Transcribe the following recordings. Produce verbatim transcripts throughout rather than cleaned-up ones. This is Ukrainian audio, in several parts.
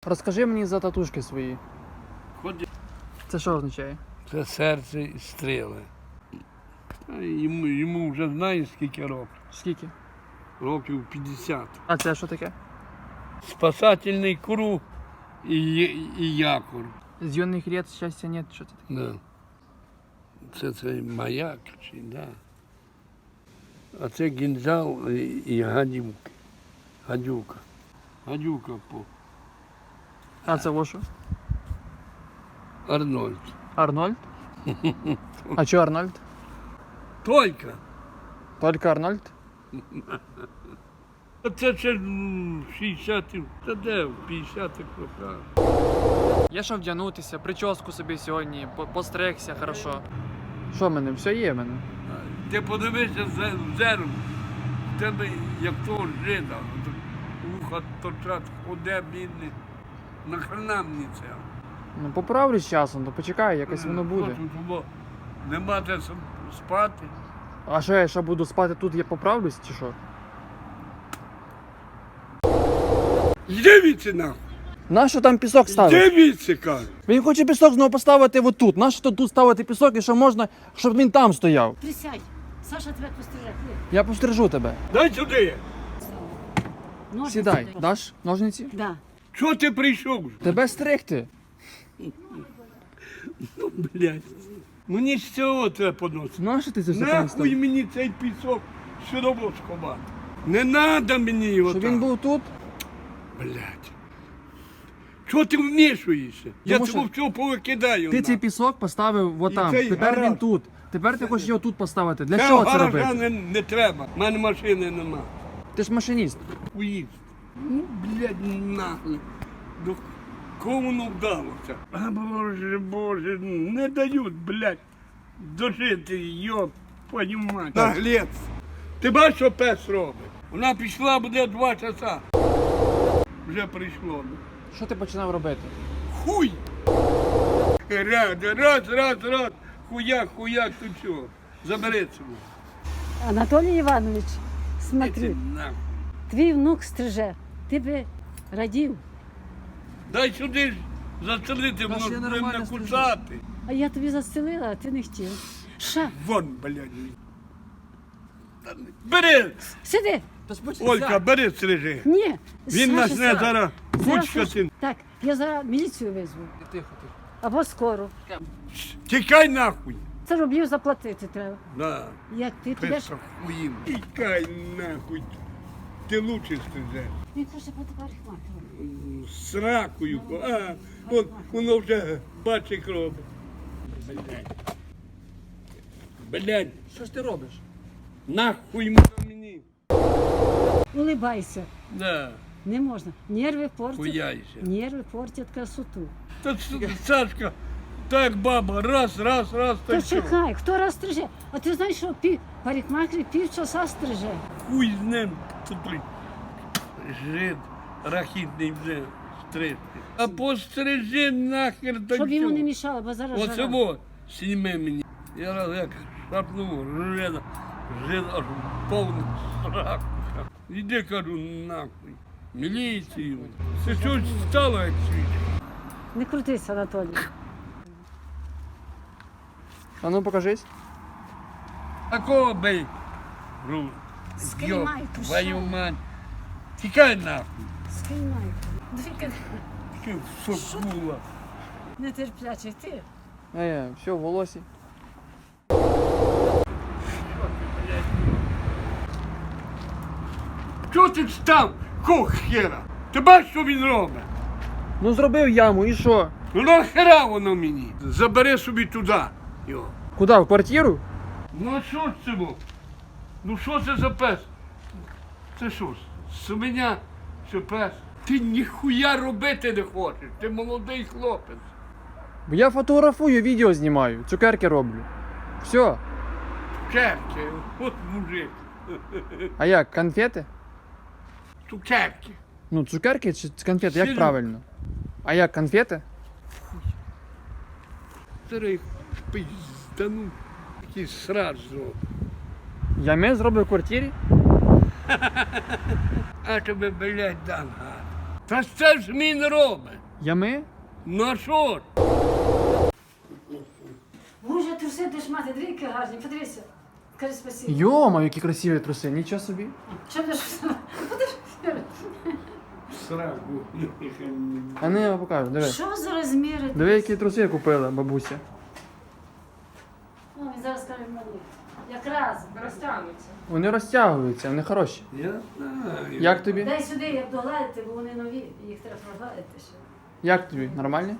Розкажи мені за татушки свої. Ходи. Це що означає? Це серце і стріли. А Йому, йому вже знаєш скільки років? Скільки? Років п'ятдесят. А це що таке? Спасательний круг і, і якор. З юних літ щастя нет, що це таке? Да. Це цей маяк, чи да. А це гінзал і, і гадюки. Гадюка. Гадюка по А це во що? Арнольд. Арнольд? А чого Арнольд? Тільки. Тільки Арнольд? А це ще м, шістдесятих, та де в п'ятдесятих роках. Я що вдягнутися, прическу собі сьогодні, по- постригся хорошо. Що в мене? Все є в мене. Ти подивися в зеркало, в тебе як того жида, от вуха торчать, ходе, бідний. Нахрена мені це? Ну поправлюсь з часом, то почекай, якось воно буде. Хочу, щоб нема де с- спати. А що я ще буду спати тут, я поправлюсь чи що? Йди віці нахуй! Нащо там пісок ставити? Йди віці, кажу! Він хоче пісок знову поставити отут. Нащо тут тут ставити пісок і що можна, щоб він там стояв? Присядь. Саша тебе пострижет. Я пострижу тебе. Дай сюди! Ножниці Сідай. дай. Даш ножниці? Да. Чого ти прийшов? Тебе стригти. Ну, блядь. Мені з цього треба поносити. Нащо ти це все Нахуй перестав? мені цей пісок сюди сховати. Не треба мені його Щоб так. він був тут? Блядь. Чого ти вмішуєшся? Я Тому цього що всього повикидаю. Ти нахуй. цей пісок поставив отам. цей Тепер гараж. він тут. Тепер ти хочеш його тут поставити. Для Цього чого це гаража робити? не, не треба. У мене машини нема. Ти ж машиніст. Уїзд. Ну, блядь, нахуй. До кого воно вдалося? А, боже, боже, не дають, блядь, дожити, йоп, твою мать. Наглець. Ти бачиш, що пес робить? Вона пішла, буде два часа. Вже прийшло. Що ти починав робити? Хуй! Раз, раз, раз, раз. Хуяк, хуяк, тут чого? Забери цього. Анатолій Іванович, Іди смотри, нахуй. твій внук стриже. Ти би радів. Дай сюди ж застрелити, Та ж я воно нормально не Ну, кусати. А я тобі застелила, а ти не хотів. Ша, Вон, блядь. Та не- Бери! сиди. Олька, бери стрижи. Ні. Він Саша, нас не Саша. зараз Зараз кучка Саша- син. Так, я зараз міліцію визву. Тихо, тихо. Або скоро. Тікай нахуй. Це рублів заплатити треба. Да. Як ти підеш, Писа хуїм. Тікай нахуй. Ти лучше стрижеш. він хоче бути парикмахером. З ракою. А, вон, воно вже бачить робить. Блядь. Блядь, Що ж ти робиш? нахуй воно мені. Улибайся. Да, Не можна. Нерви портять. хуяйся. Нерви портять красоту. Та С- Сашка, так баба, раз, раз, раз, Та та що? чекай, хто раз стриже? А ти знаєш, що пів, парикмахер півчаса стриже. Хуй з ним тут блін. Жид рахітний вже стрижти. А пострижи нахер до Щоб йому чого? не мішало, бо зараз Оце жара. во, сніми мені. Я раз як шапнув, жида, жид аж повний срак. Іди, кажу, нахуй. Міліцію. Це щось стало як світ. Не крутися, Анатолій. А ну покажись. Такого бей. Ру. Скинь Йоп, майку, твою що? мать. Тікай нахуй. Скинь майку. Дві Ти сокула. нетерплячий ти. А я, все, в волосі. Чого ти став? Кого хера? Ти бачиш, що він робить? Ну зробив яму і що? Ну нахера воно мені? Забери собі туди. Його. Куди? В квартиру? Ну а що ж це було? Ну що це за пес? Це що ж? Свиня чи пес? Ти ніхуя робити не хочеш. Ти молодий хлопець. Бо я фотографую, відео знімаю, цукерки роблю. Все. Цукерки. От мужик. А як, конфети? Цукерки. Ну, цукерки чи конфети, як Сильно. правильно? А як, конфети? Зараз їх пиздану. Якийсь срач зробив. Я ми зроблю в квартирі? А тебе, блядь, дан гад. Та ж це ж він робить. Ями? Ну а що ж? Боже, труси ти ж мати, двійки гарні, подивися. Скажи спасибо. Йома, які красиві труси, нічого собі. Що ти ж? Сраку. А не, я покажу, диви. Що за розміри? Диви, які труси я купила, бабуся. Ну, він зараз скаже мені. Якраз. Розтягнуться. Вони розтягуються, вони хороші. Я знаю. Як тобі? Дай сюди, як догладити, бо вони нові, їх треба прогладити ще. Як тобі? Нормальні?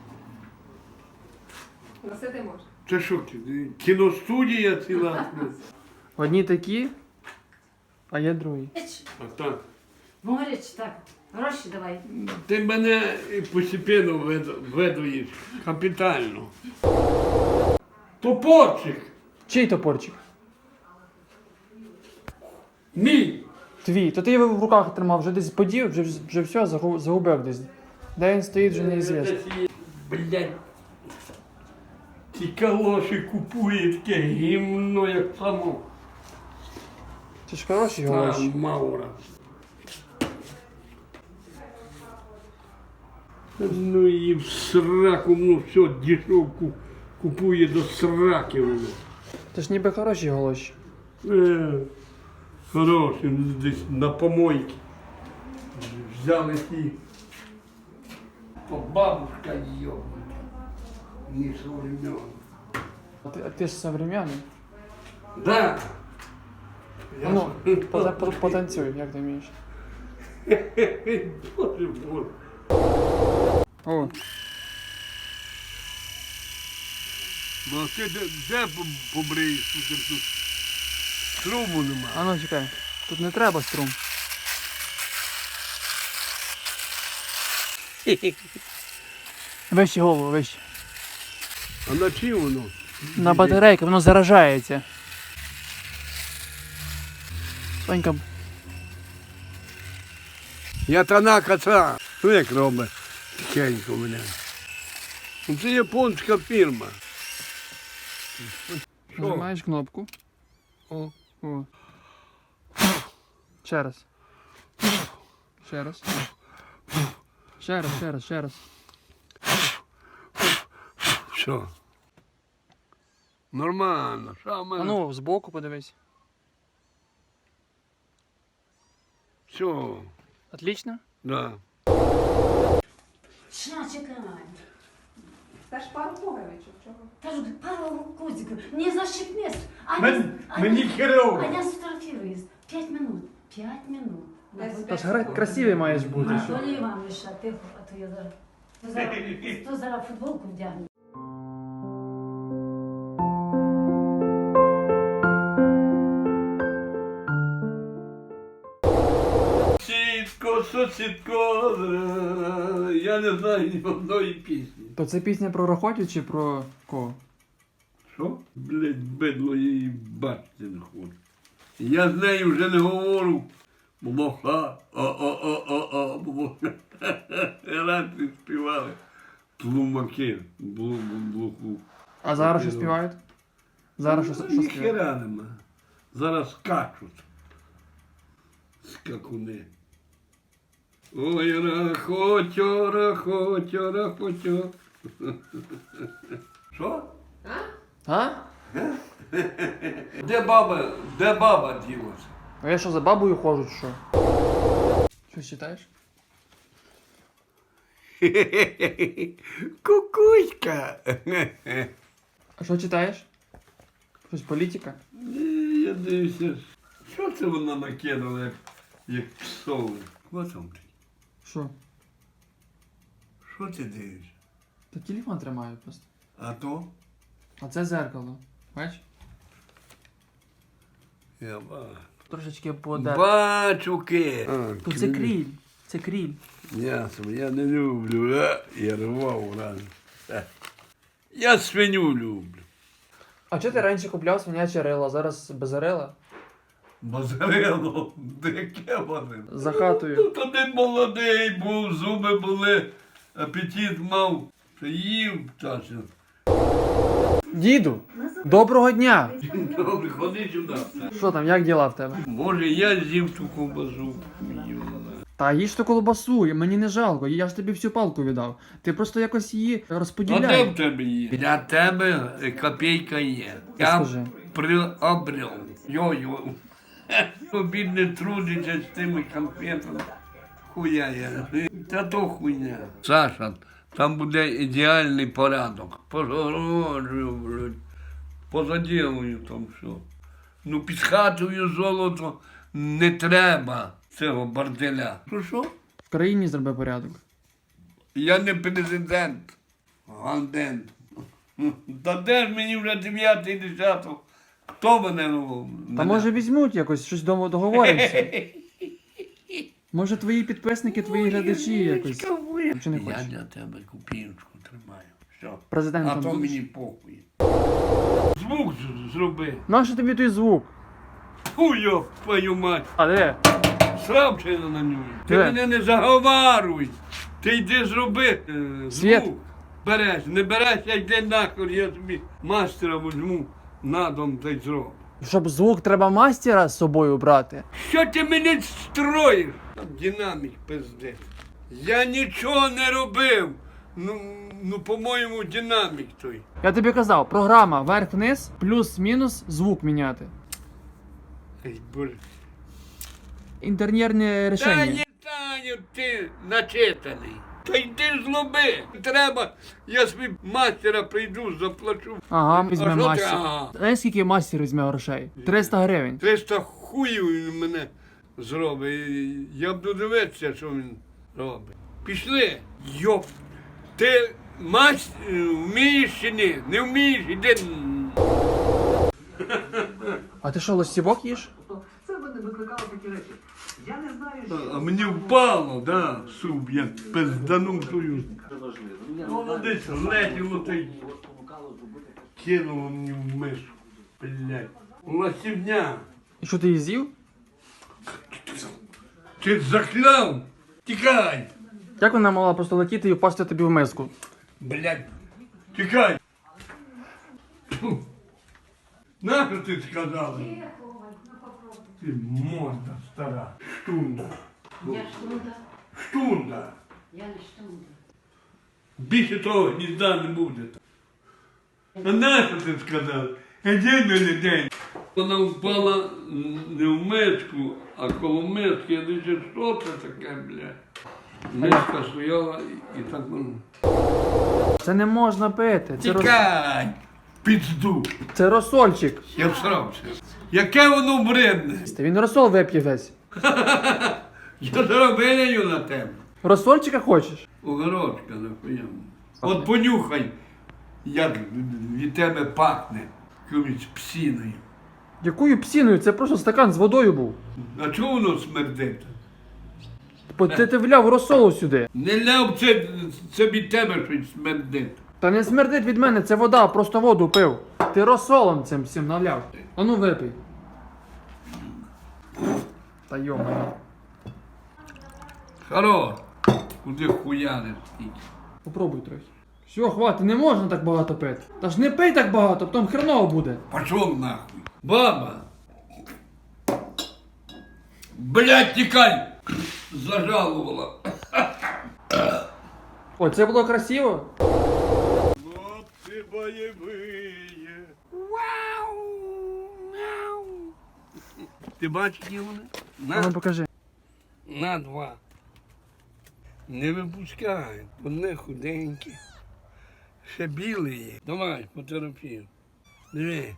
Носити можна. Це що, кіностудія ціла? Одні такі, а є другі. Річ, А так. Могоріч, так. Гроші давай. Ти мене постепенно вед- ведуєш. Капітально. Топорчик. Чий топорчик? Мій. Твій. То ти його в руках тримав, вже десь подів, вже, вже все, загу- загубив десь. Де він стоїть, вже неізвісно. Блядь. Ті калоші купує таке гімно, як само. Це ж хороші Та гроші. Маура. Ну і в сраку, ну все, дешевку купує до сраки воно. Це ж ніби хороші гроші. Е, хороші, ну, десь на помойці. Взяли ті. То бабушка йобнута. Не современна. А ти, а ти ж современний. Да. А ну, пота- по- потанцюй, як ти вмієш. Боже, боже. О, Ну а ти де, де по- побриєш? Тут, тут струму нема. а ну чекай. Тут не треба струм. Вище голову, вище. А на чим воно? На батарейку, воно заражається. Сонька, Я танака це. Ну як робить тихенько мене. Ну, це японська фірма. Що? нажимаєш кнопку. О. О. Ще раз. Ще раз. Ще раз, ще раз, ще раз. Що? Нормально. Що в мене? А ну, збоку подивись. Все. Отлично? Да. Ща, чекай. Та ж пару пуговичок, чого? Та ж пару кузиків. Не защипнешь. А Мен- я- мені а херово. я сфотографируюсь. П'ять минут. П'ять минут. Десь Та ж гра- красивий маєш бути. Що? Волі вам лише, тихо, а то я зараз. То зараз, то зараз футболку вдягну. Сітко, сусідко, е, я не знаю ні одної пісні. То це пісня про Рохотю чи про кого? Що? Блять, бидло я її бачити не хочу. Я з нею вже не говорю. Блоха, о-о-о-о-о, блоха. Раніше співали. Тлумаки, блу-блу-блуху. А зараз що співають? Зараз що, що співають? Ніхера нема. Зараз скачуть. Скакуни. Ой, рахотьо, рахотьо, рахотьо. Що? А? Де баба, де баба ділася? А я що, за бабою ходжу, чи що? Що читаєш? Кукуська. А що читаєш? Щось політика? Ні, я дивлюся. Що це вона накинула, як, як псови? Що там ти? Що? Що ти дивишся? Та телефон тримаю просто. А то? А це зеркало. Бачиш? Я бачу. Трошечки подер. Бачу ки. Тут це кріль. Це кріль. Ясно, я не люблю, а? Я рвав рано. Е. Я свиню люблю. А чого ти раніше купляв свиняче рило, а зараз без рила? Базарило, яке вони? За хатою. Ну, то ти молодий був, зуби були, апетит мав, що їв часом. Діду, доброго дня! Добре, ходи сюди. Що там, як діла в тебе? Може, я з'їв ту ковбасу. Та їж ту колбасу, мені не жалко, я ж тобі всю палку віддав. Ти просто якось її А де розподіляй. в тебе є? Для тебе копійка є. Ти Я скажи. приобрел. Йо-йо. Тобі не трудиться з тими конфетами. Хуя я. Та то хуйня. Саша, там буде ідеальний порядок. Погороджую, блядь. Позаділую там все. Ну під хатою золото не треба цього борделя. Що що? В країні зроби порядок. Я не президент. Гандент. Та де ж мені вже дев'ятий десяток? Хто мене? ну, Та мене? може візьмуть якось, щось дома договоримося. Може твої підписники, твої глядачі якось. Чи не Я хочеш? для тебе купіночку тримаю. Все. А Президентом то будеш? мені похуй. Звук з- зроби. Нащо тобі той звук? Хуйо, твою мать. А де? Сравчи на нього. Ти Де? мене не заговаруй. Ти йди зроби е, Світ. звук. Береш, не береш, я йди нахуй, я тобі мастера візьму на дом та й зроблю. Щоб звук треба мастера з собою брати. Що ти мене строїш? Там динамік пиздець. Я нічого не робив. Ну, ну по-моєму, динамік той. Я тобі казав, програма вверх-вниз, плюс-мінус, звук міняти. Ай, Боже. Інтер'єрне Та рішення. не Таню, ти начитаний. Та йди злоби. Треба, я собі мастера прийду, заплачу. Ага, А візьме що ти? мастер. Ага. Знаєш, скільки мастер візьме грошей? триста гривень. триста хуїв він мене зробить. І я буду дивитися, що він робить. Пішли. Йоп. Ти мась вмієш чи ні? Не вмієш, іди. А ти що, лосівок їш? Це мене викликало такі речі. Я не знаю, що А мені впало, да, суп, я пизданув тую. це важливо. Я не Воно знаю, десь що летіло та й його спонукало зробити таке. кинуло мені в мишу. Блядь. Лосівня. І що ти її з'їв? Ти закляв? Тікай! Як вона могла просто летіти і впасти тобі в миску? Блядь. Тікай! Тьфу. Нащо ти сказала? Ти морда стара. Штунда. Я штунда, Штунда. я не штунда. Більше того гнізда не буде. А нащо ти сказав? Іди на людей. Вона впала не в миску, а коло миски. Я дивлюся, що це таке, блядь. Миска стояла і, і так воно. Це не можна пити. Це, рос... Тікай! Пізду! це розсольчик. Я всрався. Яке воно бредне? Він розсол вип'є весь. Я зараз вилію на тебе. Розсольчика хочеш? Огородка, нахуя. От понюхай, як від тебе пахне якоюсь псіною. Якою псіною? Це просто стакан з водою був. А чого воно смердить? Бо ти, ти вляв розсолу сюди. Не ляв, це, це від тебе щось смердить. Та не смердить від мене, це вода, просто воду пив. Ти розсолом цим всім наляв. А ну випий. Та йома. Хоро, куди хуяни стільки. Попробуй трохи. Все, хватить, не можна так багато пити. Та ж не пий так багато, потім хреново буде. Пошов нахуй. Баба. Блядь, тікай! Зажалувала. О, це було красиво. Хлопці бойові. Вау! Мяу! Ти бачиш, які вони? А ну На, покажи. на два. Не випускають. Одне худеньке. Ще біле є. Давай, фотографію. Диви.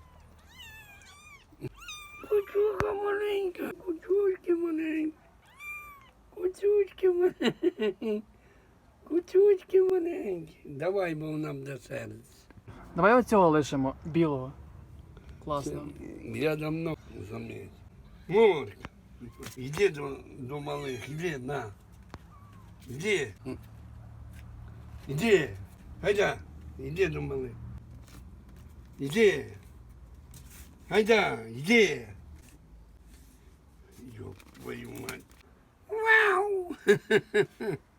Кучуха маленька, кучучки маленькі. Кучучки маленькі. Кучучки маленькі. Давай, бо нам буде серце. Давай оцього лишимо, білого. Класно. Я давно заметил. Мурка, иди до, до малых, иди, на. Иди. Иди. Айда, иди до малых. Иди. Айда, иди. Ёб твою мать. Вау!